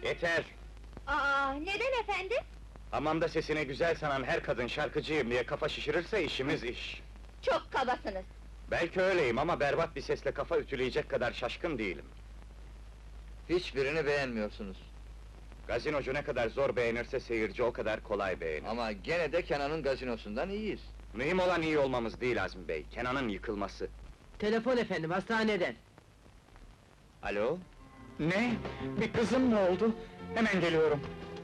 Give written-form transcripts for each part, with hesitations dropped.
Yeter! Neden efendim? Hamamda sesini güzel sanan her kadın şarkıcıyım diye kafa şişirirse işimiz iş. Çok kabasınız! Belki öyleyim ama berbat bir sesle kafa ütüleyecek kadar şaşkın değilim. Hiçbirini beğenmiyorsunuz. Gazinocu ne kadar zor beğenirse seyirci o kadar kolay beğenir. Ama gene de Kenan'ın gazinosundan iyiyiz. Mühim olan iyi olmamız değil Azmi Bey, Kenan'ın yıkılması. Telefon efendim, hastaneden. Alo? Ne? Bir kızım mı oldu? Hemen geliyorum.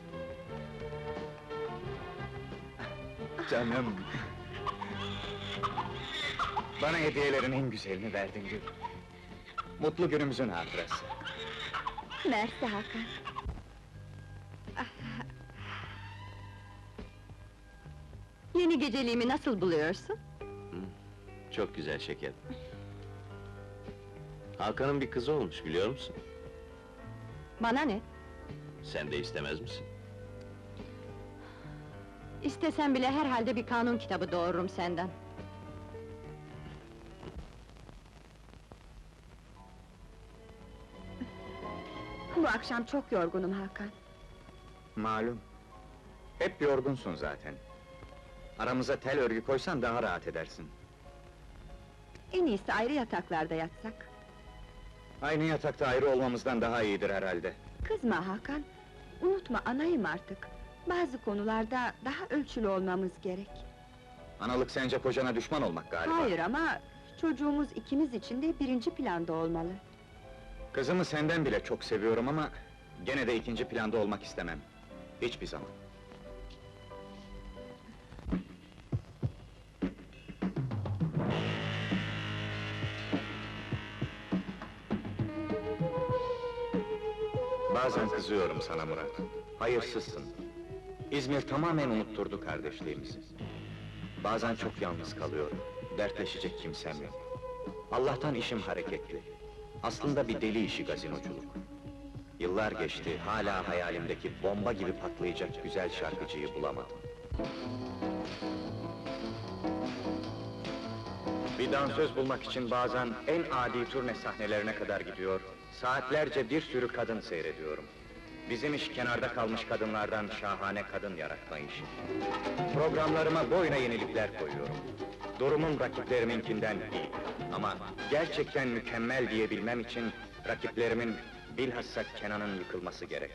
Canım! Bana hediyelerin en güzelini verdin Gül. Mutlu günümüzün hatırası. Mersi Hakan! Yeni geceliğimi nasıl buluyorsun? Çok güzel şeker. Hakan'ın bir kızı olmuş, biliyor musun? Bana ne? Sen de istemez misin? İstesem bile herhalde bir kanun kitabı doğururum senden. Bu akşam çok yorgunum Hakan. Malum. Hep yorgunsun zaten. Aramıza tel örgü koysan daha rahat edersin. En iyisi ayrı yataklarda yatsak. Aynı yatakta ayrı olmamızdan daha iyidir herhalde. Kızma Hakan, unutma anayım artık. Bazı konularda daha ölçülü olmamız gerek. Analık sence kocana düşman olmak galiba. Hayır ama çocuğumuz ikimiz için de birinci planda olmalı. Kızımı senden bile çok seviyorum ama... ...gene de ikinci planda olmak istemem. Hiçbir zaman. Bazen kızıyorum sana Murat. Hayırsızsın. İzmir tamamen unutturdu kardeşliğimizi. Bazen çok yalnız kalıyorum. Dertleşecek kimsem yok. Allah'tan işim hareketli. Aslında bir deli işi gazinoculuk. Yıllar geçti, hala hayalimdeki bomba gibi patlayacak güzel şarkıcıyı bulamadım. Bir dansöz bulmak için bazen en adi turne sahnelerine kadar gidiyor, saatlerce bir sürü kadın seyrediyorum. Bizim iş kenarda kalmış kadınlardan şahane kadın yaratma işi. Programlarıma boyuna yenilikler koyuyorum. Durumum rakipleriminkinden iyi. Ama gerçekten mükemmel diyebilmem için rakiplerimin bilhassa Kenan'ın yıkılması gerek.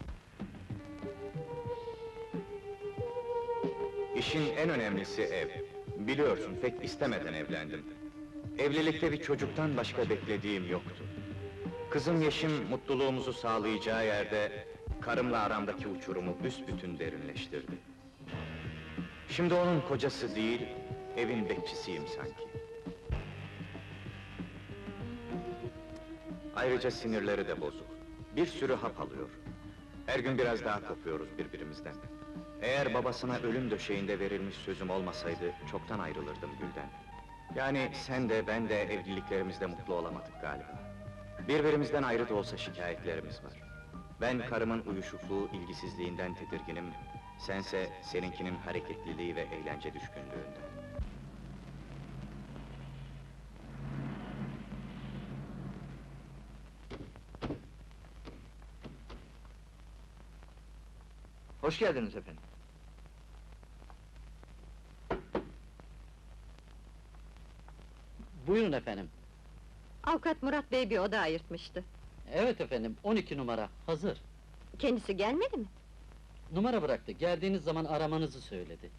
İşin en önemlisi ev. Biliyorsun pek istemeden evlendim. Evlilikte bir çocuktan başka beklediğim yoktu. Kızım Yeşim mutluluğumuzu sağlayacağı yerde karımla aramdaki uçurumu büsbütün derinleştirdi. Şimdi onun kocası değil, evin bekçisiyim sanki. Ayrıca sinirleri de bozuk. Bir sürü hap alıyor. Her gün biraz daha kopuyoruz birbirimizden. Eğer babasına ölüm döşeğinde verilmiş sözüm olmasaydı, çoktan ayrılırdım Gül'den. Yani sen de ben de evliliklerimizde mutlu olamadık galiba. Birbirimizden ayrı da olsa şikayetlerimiz var. Ben karımın uyuşukluğu, ilgisizliğinden tedirginim, sense seninkinin hareketliliği ve eğlence düşkünlüğünden. Hoş geldiniz efendim. Buyurun efendim. Avukat Murat Bey bir oda ayırtmıştı. Evet efendim, 12 numara, hazır. Kendisi gelmedi mi? Numara bıraktı, geldiğiniz zaman aramanızı söyledi.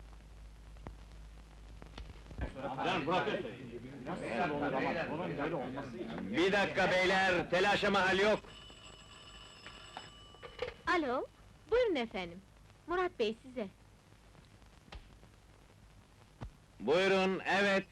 Bir dakika beyler, telaşa mahal yok! Alo, buyurun efendim. Murat Bey size. Buyurun, evet!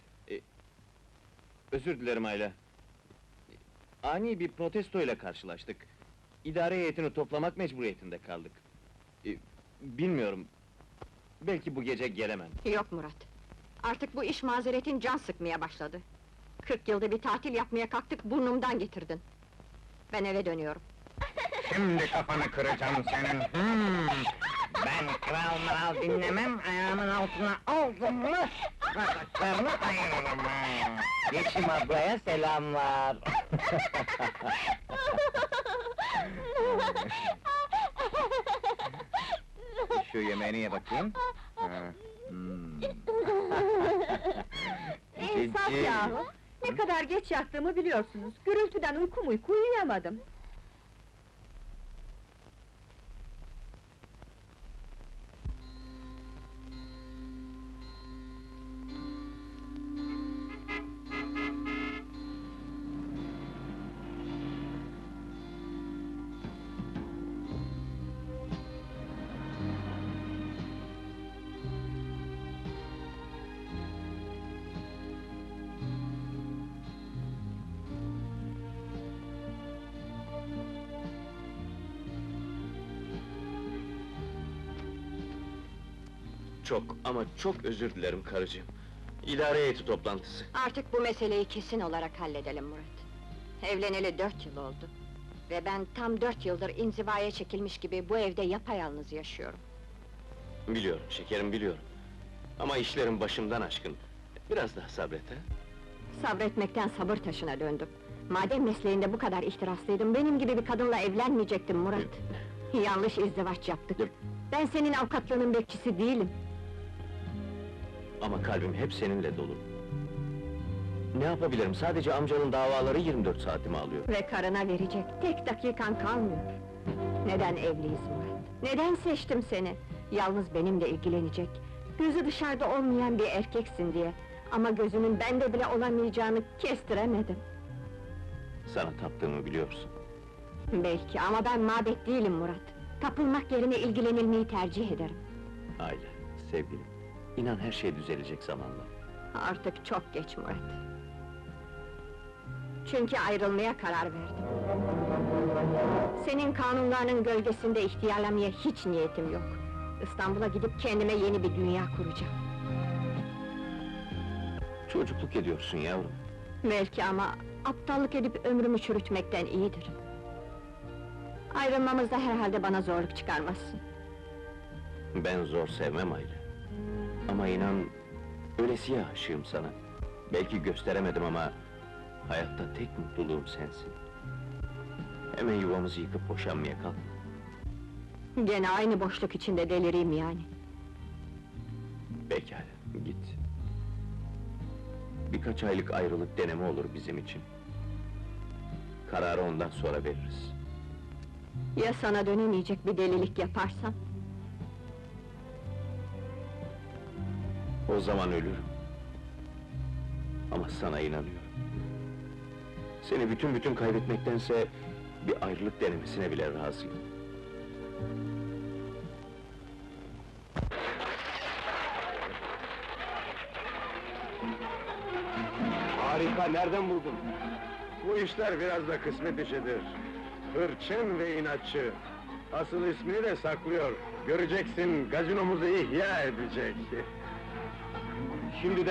Özür dilerim Ayla. Ani bir protestoyla karşılaştık. İdare heyetini toplamak mecburiyetinde kaldık. Bilmiyorum, belki bu gece gelemem. Yok Murat. Artık bu iş mazeretin can sıkmaya başladı. 40 yılda bir tatil yapmaya kalktık, burnumdan getirdin. Ben eve dönüyorum. Şimdi kafanı kıracağım senin! Ben kral mral dinlemem, ayağımın altına aldım mı... ...bacaklarını ayırırım ha! Yeşim ablaya selamlar! şu yemeğini ye bakayım. Ha, İnsaf Cici. yahu! Ne kadar geç yattığımı biliyorsunuz. Gürültüden uyku uyuyamadım. Çok ama çok özür dilerim karıcığım. İdare heyeti toplantısı. Artık bu meseleyi kesin olarak halledelim Murat. Evleneli 4 yıl oldu. Ve ben tam 4 yıldır inzivaya çekilmiş gibi bu evde yapayalnız yaşıyorum. Biliyorum şekerim, biliyorum. Ama işlerim başımdan aşkın. Biraz daha sabret ha. Sabretmekten sabır taşına döndüm. Madem mesleğinde bu kadar ihtiraslıydın, benim gibi bir kadınla evlenmeyecektin Murat. Yanlış izdivaç yaptık. Ben senin avukatlığının bekçisi değilim. Ama kalbim hep seninle dolu. Ne yapabilirim? Sadece amcanın davaları 24 saatimi alıyor. Ve karına verecek tek dakikan kalmıyor. Neden evliyiz Murat? Neden seçtim seni? Yalnız benimle ilgilenecek, gözü dışarıda olmayan bir erkeksin diye. Ama gözünün bende bile olamayacağını kestiremedim. Sana taptığımı biliyorsun. Belki ama ben mabet değilim Murat. Tapılmak yerine ilgilenilmeyi tercih ederim. Aile, sevgilim. İnan her şey düzelecek zamanla. Artık çok geç Murat. Çünkü ayrılmaya karar verdim. Senin kanunlarının gölgesinde ihtiyarlamaya hiç niyetim yok. İstanbul'a gidip kendime yeni bir dünya kuracağım. Çocukluk ediyorsun yavrum. Belki ama aptallık edip ömrümü çürütmekten iyidir. Ayrılmamızda herhalde bana zorluk çıkarmazsın. Ben zor sevmem Aile. Ama inan, öylesiye aşığım sana. Belki gösteremedim ama... hayatta tek mutluluğum sensin. Hemen yuvamızı yıkıp boşanmaya kalkma. Gene aynı boşluk içinde delireyim yani. Pekala, git. Birkaç aylık ayrılık deneme olur bizim için. Kararı ondan sonra veririz. Ya sana dönemeyecek bir delilik yaparsam? O zaman ölürüm. Ama sana inanıyorum. Seni bütün kaybetmektense... bir ayrılık denemesine bile razıyım. Harika, nereden buldun? Bu işler biraz da kısmet işidir. Hırçın ve inatçı. Asıl ismini de saklıyor. Göreceksin, gazinomuzu ihya edecek. Şimdi